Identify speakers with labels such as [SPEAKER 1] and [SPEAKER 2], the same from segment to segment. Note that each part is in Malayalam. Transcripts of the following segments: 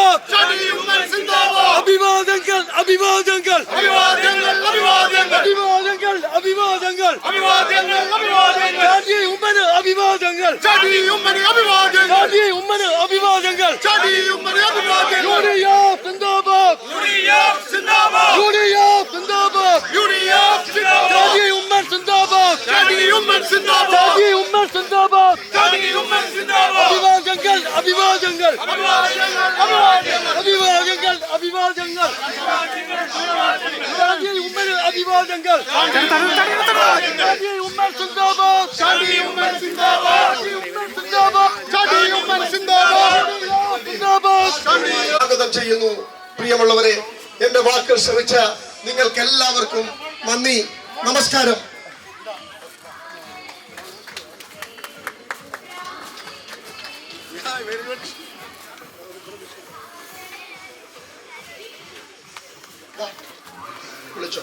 [SPEAKER 1] സിന്ദാബാദ് അഭിവാദങ്ങൾ അഭിവാദങ്ങൾ അഭിവാദങ്ങൾ ഉമ്മന് അഭിവാദങ്ങൾ ഉമ്മന് അഭിവാദങ്ങൾ സിന്ദാബാദ് ഉമ്മൻ സിന്ദാബാദ് അഭിവാദങ്ങൾ അഭിവാദങ്ങൾ അഭിവാദങ്ങൾ ഉമ്മന് അഭിവാദങ്ങൾ ഉമ്മൻ സിന്ദാബാദ്
[SPEAKER 2] സ്വാഗതം ചെയ്യുന്നു. പ്രിയമുള്ളവരെ, എന്റെ വാക്കുകൾ ശ്രമിച്ച നിങ്ങൾക്ക് എല്ലാവർക്കും നന്ദി, നമസ്കാരം. വിളിച്ചോ.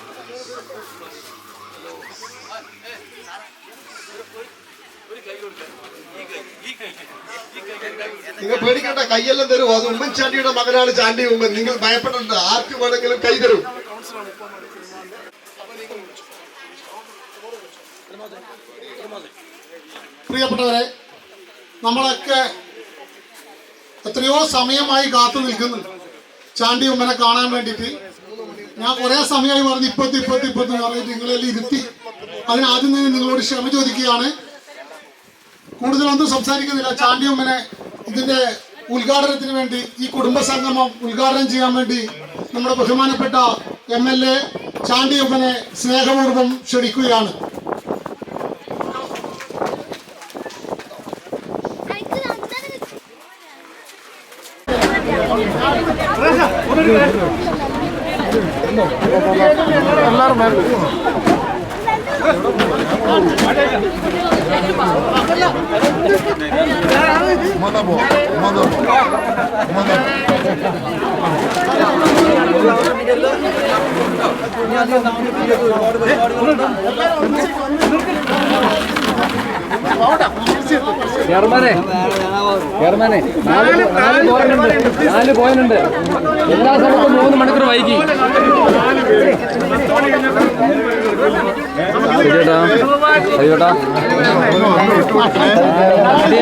[SPEAKER 2] നിങ്ങൾ പേടിക്കേണ്ട, കൈയെല്ലാം തരും. അത് ഉമ്മൻചാണ്ടിയുടെ മകനാണ് ചാണ്ടി ഉമ്മൻ. നിങ്ങൾ ഭയപ്പെടേണ്ട, ആർക്ക് വേണമെങ്കിലും കൈ തരും.
[SPEAKER 3] പ്രിയപ്പെട്ടവരെ, നമ്മളൊക്കെ എത്രയോ സമയമായി കാത്തു നിൽക്കുന്നുണ്ട് ചാണ്ടി ഉമ്മനെ കാണാൻ വേണ്ടിയിട്ട്. ഞാൻ കുറെ സമയമായി പറഞ്ഞ് ഇപ്പത്തി പറഞ്ഞിട്ട് നിങ്ങളെല്ലാം ഇരുത്തി. അതിനാദ്യം തന്നെ നിങ്ങളോട് ക്ഷമ ചോദിക്കുകയാണ്. കൂടുതലൊന്നും സംസാരിക്കുന്നില്ല. ചാണ്ടി ഉമ്മനെ ഇതിന്റെ ഉദ്ഘാടനത്തിന് വേണ്ടി, ഈ കുടുംബ സംഗമം ഉദ്ഘാടനം ചെയ്യാൻ വേണ്ടി നമ്മുടെ ബഹുമാനപ്പെട്ട MLA ചാണ്ടി ഉമ്മനെ സ്നേഹപൂർവ്വം ക്ഷണിക്കുകയാണ്.
[SPEAKER 4] നാല് പോയിന്റ് എല്ലാ സ്ഥലത്തും 3 മണിക്കൂർ വൈകി. ചേട്ടാ